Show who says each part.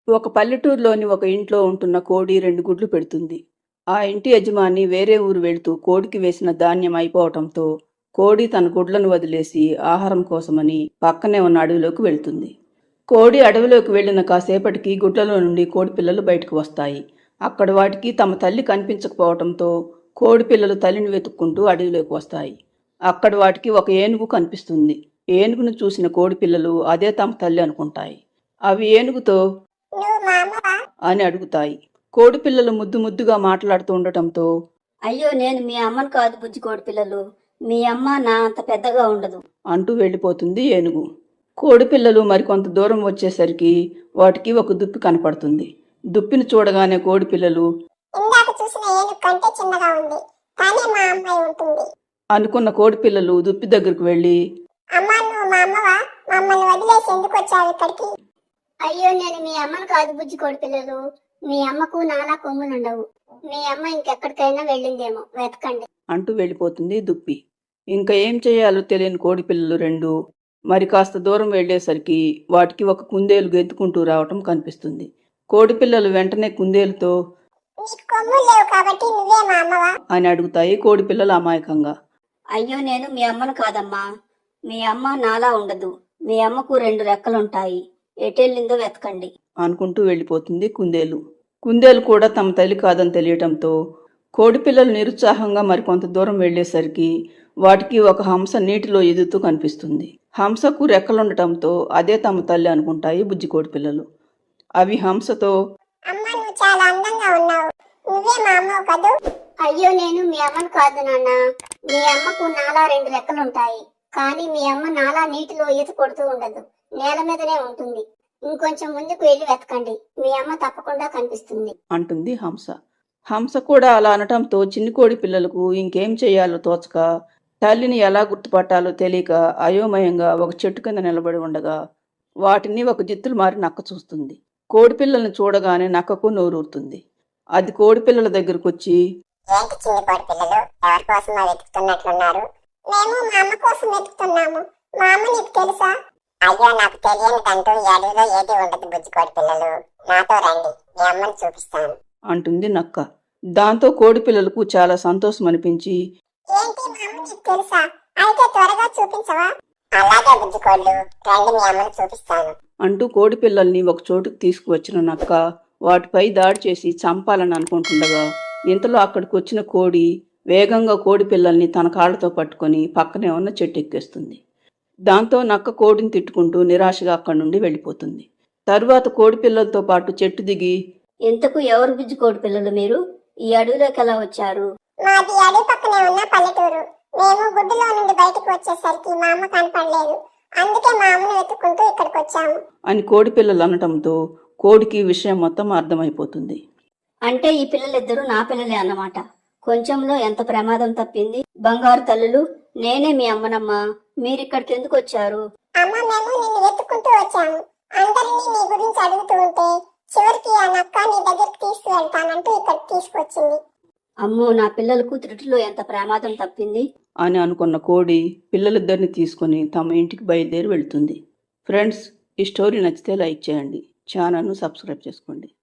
Speaker 1: ఒక పల్లెటూరులోని ఒక ఇంట్లో ఉంటున్న కోడి 2 గుడ్లు పెడుతుంది. ఆ ఇంటి యజమాని వేరే ఊరు వెళ్తూ కోడికి వేసిన ధాన్యం అయిపోవటంతో కోడి తన గుడ్లను వదిలేసి ఆహారం కోసమని పక్కనే ఉన్న అడవిలోకి వెళ్తుంది. కోడి అడవిలోకి వెళ్లిన కాసేపటికి గుడ్లలో నుండి కోడి పిల్లలు బయటకు వస్తాయి. అక్కడ వాటికి తమ తల్లి కనిపించకపోవటంతో కోడి పిల్లలు తల్లిని వెతుక్కుంటూ అడవిలోకి వస్తాయి. అక్కడ వాటికి ఒక ఏనుగు కనిపిస్తుంది. ఏనుగును చూసిన కోడి పిల్లలు అదే తమ తల్లి అనుకుంటాయి. అవి ఏనుగుతో అని అడుగుతాయి. కోడి పిల్లలు ముద్దు ముద్దుగా మాట్లాడుతూ ఉండటంతో,
Speaker 2: అయ్యో నేను మీ అమ్మను కాదు బుజ్జి కోడి పిల్లలు, మీ అమ్మ నా అంత పెద్దగా ఉండదు
Speaker 1: అంటూ వెళ్ళిపోతుంది ఏనుగు. కోడి పిల్లలు మరికొంత దూరం వచ్చేసరికి వాటికి ఒక దుప్పి కనపడుతుంది. దుప్పిని చూడగానే కోడి పిల్లలు అనుకున్న కోడి పిల్లలు దుప్పి దగ్గరకు వెళ్ళి,
Speaker 2: అయ్యో నేను మీ అమ్మను కాదు బుజ్జి కోడి పిల్లలు, మీ అమ్మకు నాలా కొమ్ములుండవు, మీ అమ్మ ఇంకెక్కడికైనా వెళ్ళిందేమో వెతకండి
Speaker 1: అంటూ వెళ్ళిపోతుంది దుప్పి. ఇంకా ఏం చేయాలో తెలియని కోడి పిల్లలు రెండు మరి కాస్త దూరం వెళ్లేసరికి వాటికి ఒక కుందేలు గెంతుకుంటూ రావటం కనిపిస్తుంది. కోడి పిల్లలు వెంటనే కుందేలుతో అని అడుగుతాయి కోడి పిల్లలు అమాయకంగా.
Speaker 2: అయ్యో నేను మీ అమ్మను కాదమ్మా, మీ అమ్మ నాలా ఉండదు, మీ అమ్మకు 2 రెక్కలుంటాయి, ఎటెళ్ళిందో వెతకండి
Speaker 1: అనుకుంటూ వెళ్ళిపోతుంది కుందేలు. కుందేలు కూడా తమ తల్లి కాదని తెలియటంతో కోడి పిల్లలు నిరుత్సాహంగా మరికొంత దూరం వెళ్లేసరికి వాటికి ఒక హంస నీటిలో ఎదుగుతూ కనిపిస్తుంది. హంసకు రెక్కలుండటంతో అదే తమ తల్లి అనుకుంటాయి బుజ్జి కోడి పిల్లలు. అవి హంసతో,
Speaker 2: అయ్యో నేను మీ అమ్మను కాదు నాన్న, మీ అమ్మకు నాలా 2 రెక్కలుంటాయి, కానీ మీ అమ్మ నాలా నీటిలో ఈత కొడుతూ ఉండదు, నేల మీదనే ఉంటుంది, ఇంకొంచెం ముందుకు వెళ్ళి వెతకండి, మీ అమ్మ తప్పకుండా కనిపిస్తుంది
Speaker 1: అంటుంది హంస. హంస కూడా అలా అనటంతో చిన్ని కోడి పిల్లలకు ఇంకేం చేయాలో తోచక తల్లిని ఎలా గుర్తుపట్టాలో తెలియక అయోమయంగా ఒక చెట్టు కింద నిలబడి ఉండగా వాటిని ఒక జిత్తులు మారి నక్క చూస్తుంది. కోడి పిల్లల్ని చూడగానే నక్కకు నోరూరుతుంది. అది కోడి పిల్లల దగ్గరకు వచ్చి,
Speaker 3: ఏంటి చిన్ని కోడి పిల్లలు, ఎవరి కోసం వెతుకుతున్నట్లున్నారు? మేము మా అమ్మ కోసం వెతుకుతున్నాము. మా అమ్మ నీకు తెలుసా? అయ్యో నాకు తెలియనిదంటూ అడవిలో ఏది ఉండదు బుజ్జి కోడి పిల్లలు, నాతో రండి, మీ అమ్మని చూపిస్తాను
Speaker 1: అంటుంది నక్క. దాంతో కోడి పిల్లలకు చాలా సంతోషం అనిపించి,
Speaker 3: ఏంటి మా అమ్మ నీకు తెలుసా? అయితే త్వరగా చూపించవా? అలాగే బుజ్జి కోళ్ళు, రండి మీ అమ్మని చూపిస్తాను
Speaker 1: అంటూ కోడి పిల్లల్ని ఒక చోటుకు తీసుకువచ్చిన నక్క వాటిపై దాడి చేసి చంపాలని అనుకుంటుండగా ఇంతలో అక్కడికి వచ్చిన కోడి వేగంగా కోడి పిల్లల్ని తన కాళ్లతో పట్టుకొని పక్కనే ఉన్న చెట్టు ఎక్కేస్తుంది. దాంతో నక్క కోడిని తిట్టుకుంటూ నిరాశగా అక్కడి నుండి వెళ్ళిపోతుంది. తరువాత కోడి పిల్లలతో పాటు చెట్టు దిగి,
Speaker 2: ఎంతకు ఎవరు బుజ్జి కోడి పిల్లలు మీరు? ఈ అడవిలోకి ఎలా వచ్చారు?
Speaker 3: మాది అడవి పక్కనే ఉన్న పల్లెటూరు. మేము గుడ్డులో నుండి బయటకు వచ్చేసరికి మా అమ్మ కనపడలేదు, అందుకే మా అమ్మను వెతుక్కుంటూ ఇక్కడికి వచ్చాము
Speaker 1: అని కోడి పిల్లలు అనటంతో కోడికి విషయం మొత్తం అర్థమైపోతుంది.
Speaker 2: అంటే ఈ పిల్లలిద్దరూ నా పిల్లలే అన్నమాట. కొంచెంలో ఎంత ప్రమాదం తప్పింది. బంగారు తల్లులు, నేనే మీ అమ్మనమ్మా, మీరిక్కడికి ఎందుకు వచ్చారు?
Speaker 3: అమ్మ మేము నిన్ను వెతుక్కుంటూ వచ్చాము. అందరినీ నీ గురించి అడుగుతూ ఉంటే చివరికి ఆ నక్క నీ దగ్గరికి తీసుకువెళ్తానంటూ ఇక్కడికి తీసుకొచ్చింది.
Speaker 2: అమ్మో, నా పిల్లలకు త్రుటిలో ఎంత ప్రమాదం తప్పింది
Speaker 1: అని అనుకున్న కోడి పిల్లలిద్దరిని తీసుకుని తమ ఇంటికి బయలుదేరి వెళ్తుంది. ఫ్రెండ్స్, ఈ స్టోరీ నచ్చితే లైక్ చేయండి, ఛానల్ను సబ్స్క్రైబ్ చేసుకోండి.